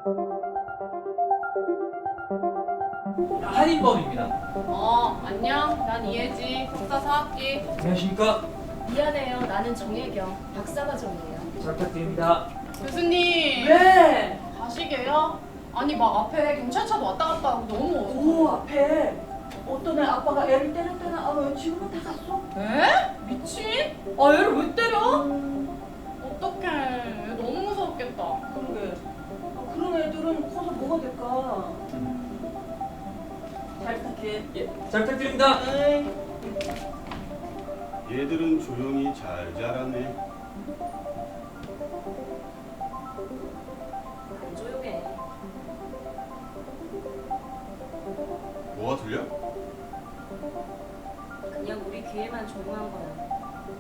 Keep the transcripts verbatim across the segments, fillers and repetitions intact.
한인범입니다. 어, 안녕. 난 이혜지. 석사 사 학기. 안녕하십니까? 미안해요. 나는 정혜경. 박사과정이에요. 잘 부탁드립니다. 교수님. 왜? 가시게요? 아니, 막 앞에 경찰차도 왔다 갔다 하고 너무 어서. 오, 앞에 어떤 애 아빠가 애를 때렸다나. 아, 지금은 다 갔어. 에? 미친? 아, 얘를 왜 때려? 어떡해. 얘 너무 무서웠겠다. 그러게. 아, 그런 애들은 커서 뭐가 될까? 잘 부탁해. 예, 잘 부탁드립니다. 에이. 얘들은 조용히 잘 자라네. 안 조용해. 뭐가 들려? 그냥 우리 귀에만 조용한 거야.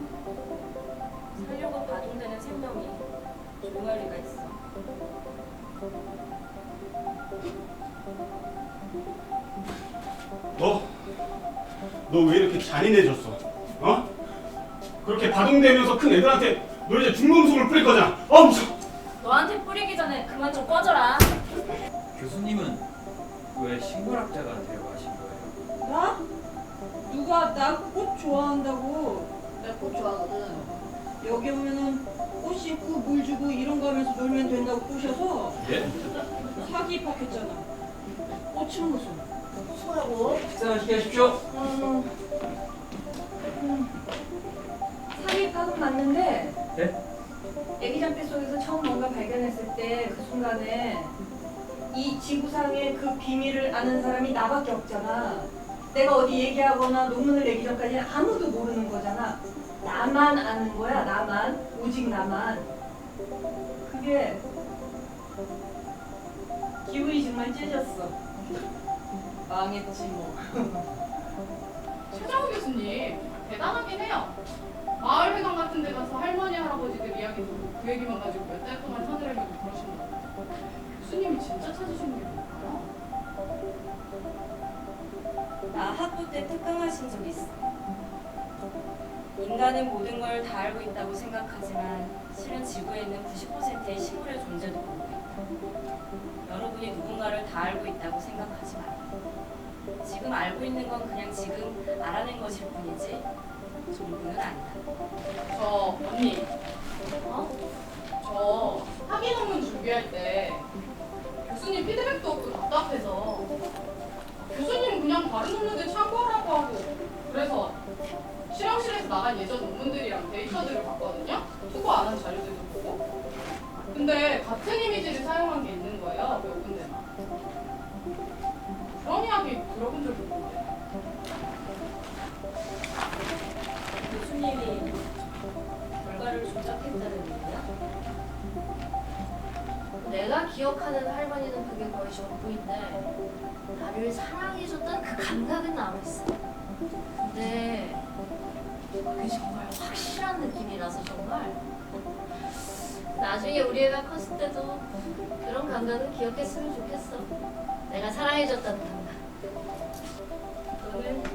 살려고 바둥대는 생명이 조용할 리가 있어. 너, 너 왜 이렇게 잔인해졌어? 어? 그렇게 바둥대면서 큰 애들한테 너 이제 중금속을 뿌릴 거잖아. 어, 무서워. 너한테 뿌리기 전에 그만 좀 꺼져라. 교수님은 왜 식물학자가 되려고 하신 거예요? 나? 누가 나 꽃 좋아한다고? 나 꽃 좋아하거든. 여기 오면은 꽃 심고 물 주고 이런 거 하면서 놀면 된다고 꼬셔서 예? 사기 입학했잖아. 꽃은 무슨? 수고하고. 식사 맛있게 하십시오. 어, 음, 사기 입학은 맞는데 네? 애기장대 속에서 처음 뭔가 발견했을 때 그 순간에 이 지구상의 그 비밀을 아는 사람이 나밖에 없잖아. 내가 어디 얘기하거나 논문을 내기 전까지는 아무도 모르는 거잖아. 나만 아는 거야, 나만. 오직 나만. 그게 기분이 정말 찢었어. 망했지 뭐. 최정우 교수님, 대단하긴 해요. 마을회관 같은 데 가서 할머니, 할아버지들 이야기 듣고 그 얘기만 가지고 몇 달 동안 사느라고 그러신다고. 교수님이 진짜 찾으시는 게 뭘까요? 나 학부 때 특강하신 적 있어. 인간은 모든 걸 다 알고 있다고 생각하지만 실은 지구에 있는 구십 퍼센트의 식물의 존재도 모르고 있다. 여러분이 누군가를 다 알고 있다고 생각하지 마. 지금 알고 있는 건 그냥 지금 알아낸 것일 뿐이지 전부는 아니다. 저, 언니. 어? 저 학위 논문 준비할 때 교수님 피드백도 없고 답답해서 교수님 그냥 다른 논문들 참고하라고 하고 그래서 실험실에서 나간 예전 논문들이랑 데이터들을 봤거든요. 투고 안 한 자료들도 보고. 근데 같은 이미지를 사용한 게 있는 거예요. 몇 군데나. 그런 이야기 들어본 적이 있는데. 교수님이 결과를 조작했다는 얘기야? 내가 기억하는 할머니는 그게 거의 전부인데 나를 사랑해줬던 그 감각은 남아있어. 근데 그게 정말 확실한 느낌이라서 정말 나중에 우리 애가 컸을 때도 그런 감각을 기억했으면 좋겠어. 내가 사랑해줬던 감각. 너는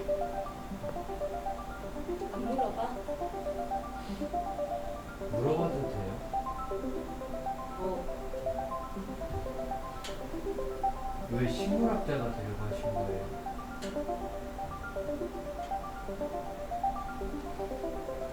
안 물어봐? 물어봐도 돼요? 뭐 왜 식물학자가 되려고 하신 거예요?